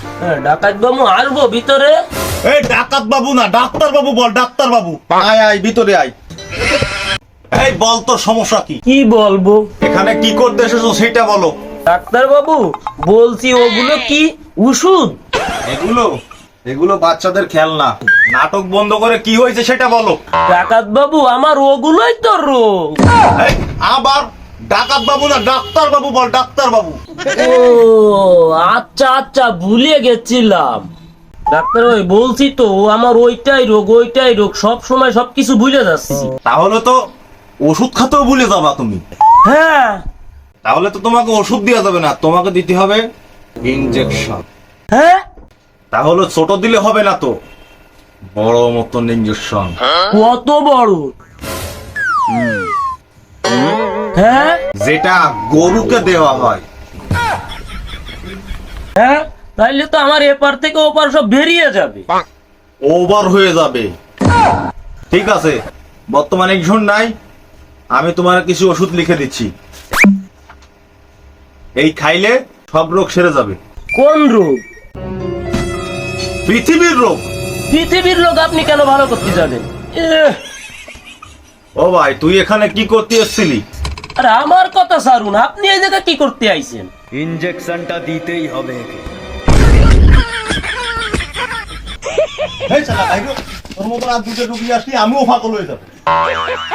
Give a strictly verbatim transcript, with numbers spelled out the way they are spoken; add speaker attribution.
Speaker 1: ডাকাত বাবু আসবো ভিতরে?
Speaker 2: এই ডাকাত বাবু না, ডাক্তার বাবু বল, ডাক্তার বাবু। আয় আয় ভিতরে আয়। এই বল তোর সমস্যা কি?
Speaker 1: কি বলবো?
Speaker 2: এখানে কি করতে এসেছো সেটা বলো।
Speaker 1: ডাক্তার বাবু বলছি ওগুলো কি ওষুধ?
Speaker 2: এগুলো এগুলো বাচ্চাদের খেলনা। নাটক বন্ধ করে কি হয়েছে সেটা বলো।
Speaker 1: ডাকাত বাবু আমার ওগুলোই তো রোগ।
Speaker 2: এই, আবার ডাকাত বাবু না, ডাক্তার বাবু বল, ডাক্তার বাবু।
Speaker 1: ও আচ্ছা আচ্ছা ভুলে গেছিলাম। ডাক্তার ভাই বলছি তো ও আমার ওইটাই রোগ ওইটাই রোগ, সব সময় সবকিছু ভুলে যাচ্ছি।
Speaker 2: তাহলে তো ওষুধ খাতেও ভুলে যাবা তুমি।
Speaker 1: হ্যাঁ
Speaker 2: তাহলে তো তোমাকে ওষুধ দেওয়া যাবে না, তোমাকে দিতে হবে ইনজেকশন।
Speaker 1: হ্যাঁ
Speaker 2: তাহলে ছোট দিলে হবে না তো, বড় মতন ইনজেকশন।
Speaker 1: কত বড়? হ্যাঁ
Speaker 2: যেটা গরুকে দেওয়া হয়।
Speaker 1: হ্যাঁ তাইলে তো আমার এপার থেকে ওপার সব বেরিয়ে যাবে।
Speaker 2: ওভার হয়ে যাবে। ঠিক আছে, বর্তমানে ইনজেকশন নাই, আমি তোমার কিছু ওষুধ লিখে দিচ্ছি। এই খাইলে সব রোগ সেরে যাবে।
Speaker 1: কোন রোগ?
Speaker 2: পৃথিবীর রোগ।
Speaker 1: পৃথিবীর রোগ আপনি কেন ভালো করতে যাবেন? এহ,
Speaker 2: ও ভাই, তুই এখানে কি করতে এসেছিলি?
Speaker 1: আরে আমার কথা ছাড়ুন, আপনি এই জায়গায় কি করতে আইছেন?
Speaker 3: ইনজেকশনটা দিতেই হবে একে।
Speaker 2: এই শালা, ভাই গো, তোর মতন আর দুটো রুগী আসলে আমিও ফাঁকল হয়ে যাবো।